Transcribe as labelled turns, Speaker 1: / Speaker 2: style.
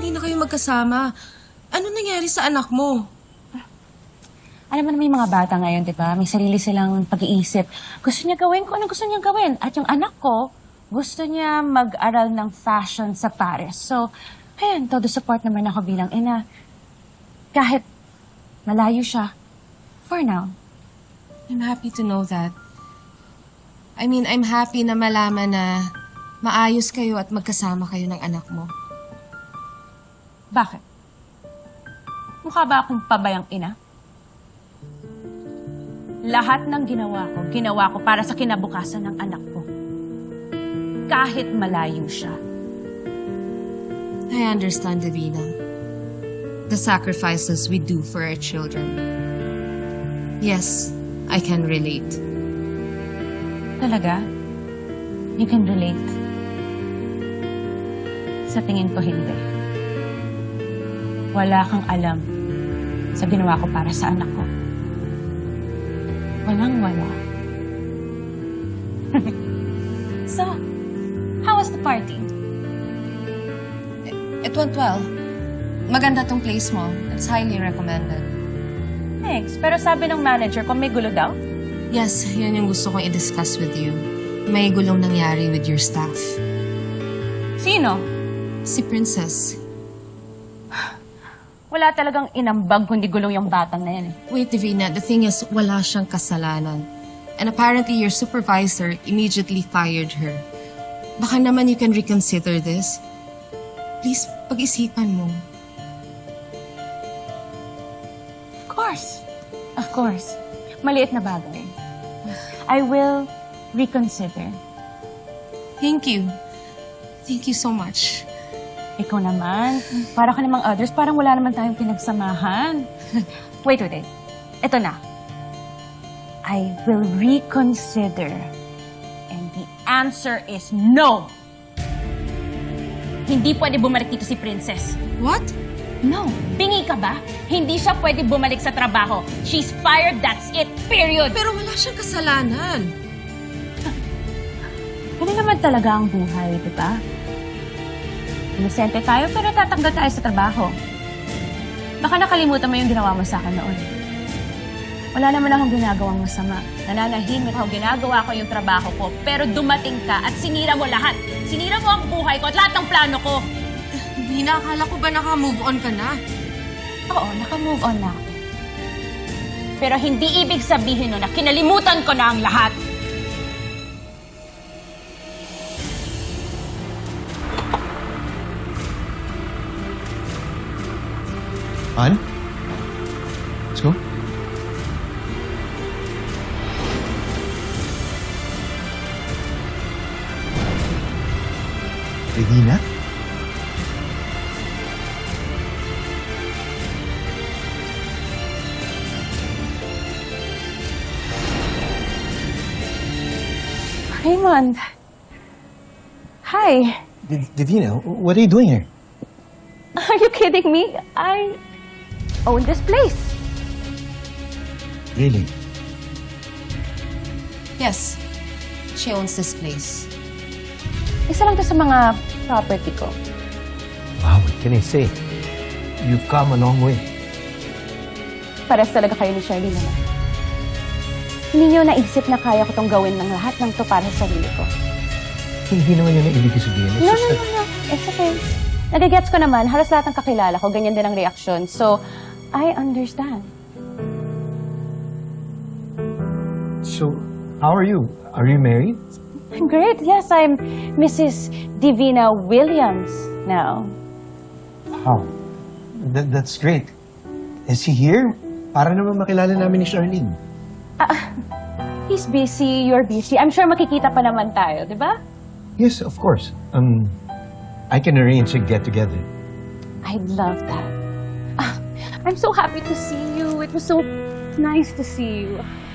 Speaker 1: hindi na kayo magkasama. Ano nangyari sa anak mo?
Speaker 2: Alam mo naman yung mga bata ngayon, di ba? May sarili silang pag-iisip. Gusto niya gawin kung ano gusto niya gawin. At yung anak ko, gusto niya mag-aral ng fashion sa Paris. So, ayun, todo support naman ako bilang ina. Kahit malayo siya, for now.
Speaker 1: I'm happy to know that. I mean, I'm happy na malaman na maayos kayo at magkasama kayo ng anak mo.
Speaker 2: Bakit? Mukha ba akong pabayang ina? Lahat ng ginawa ko para sa kinabukasan ng anak ko. Kahit malayo siya.
Speaker 1: I understand, Davina. The sacrifices we do for our children. Yes, I can relate.
Speaker 2: Talaga? You can relate? Sa tingin ko, hindi. Wala kang alam sa ginawa ko para sa anak ko. Walang-wala. So, how was the party?
Speaker 1: It went well. Maganda tong place mo. It's highly recommended.
Speaker 2: Thanks. Pero sabi ng manager ko, may gulo daw?
Speaker 1: Yes, yun yung gusto kong i-discuss with you. May gulong nangyari with your staff.
Speaker 2: Sino?
Speaker 1: Si Princess.
Speaker 2: Wala talagang inambag kundi gulong yung batang na yan eh.
Speaker 1: Wait, Davina, the thing is, wala siyang kasalanan. And apparently, your supervisor immediately fired her. Baka naman you can reconsider this. Please, pag-isipan mo.
Speaker 2: Of course. Maliit na bagay. I will reconsider.
Speaker 1: Thank you. Thank you so much.
Speaker 2: Ikaw naman, para ka namang others, parang wala naman tayong pinagsamahan. Wait. Ito na. I will reconsider. And the answer is no! Hindi pwede bumalik dito si Princess.
Speaker 1: What?
Speaker 2: No. Bingi ka ba? Hindi siya pwede bumalik sa trabaho. She's fired, that's it, period.
Speaker 1: Pero wala siyang kasalanan.
Speaker 2: Ganun naman talaga ang buhay, di ba? Inosente tayo pero tatanggal tayo sa trabaho. Baka nakalimutan mo yung ginawa mo sa akin noon. Wala naman akong ginagawang masama. Nananahimik ako, ginagawa ko yung trabaho ko. Pero dumating ka at sinira mo lahat. Sinira mo ang buhay ko at lahat ng plano ko.
Speaker 1: Davina, akala ko ba naka-move on ka na?
Speaker 2: Oo, naka-move on na ako. Pero hindi ibig sabihin nun na kinalimutan ko na ang lahat.
Speaker 3: Han? Let's go. Regina?
Speaker 2: Raymond. Hi.
Speaker 3: Davina, what are you doing here?
Speaker 2: Are you kidding me? I own this place.
Speaker 3: Really?
Speaker 1: Yes. She owns this place.
Speaker 2: Isa lang to sa mga property ko.
Speaker 3: Wow, what can I say? You've come a long way.
Speaker 2: Pares talaga kayo ni Shirley naman. Hindi niyo naisip na kaya ko tong gawin ng lahat ng to para sa sarili ko.
Speaker 3: Hindi naman yun ang ibig sabihin.
Speaker 2: No. It's okay. Nagigets ko naman, halos lahat ng kakilala ko, ganyan din ang reaksyon. So, I understand.
Speaker 3: So, how are you? Are you married?
Speaker 2: I'm great. Yes, I'm Mrs. Divina Williams now.
Speaker 3: Wow. That's great. Is he here? Para naman makilala namin ni Charlene.
Speaker 2: He's busy, you're busy. I'm sure makikita pa naman tayo, di ba?
Speaker 3: Yes, of course. I can arrange a get-together.
Speaker 2: I'd love that. I'm so happy to see you. It was so nice to see you.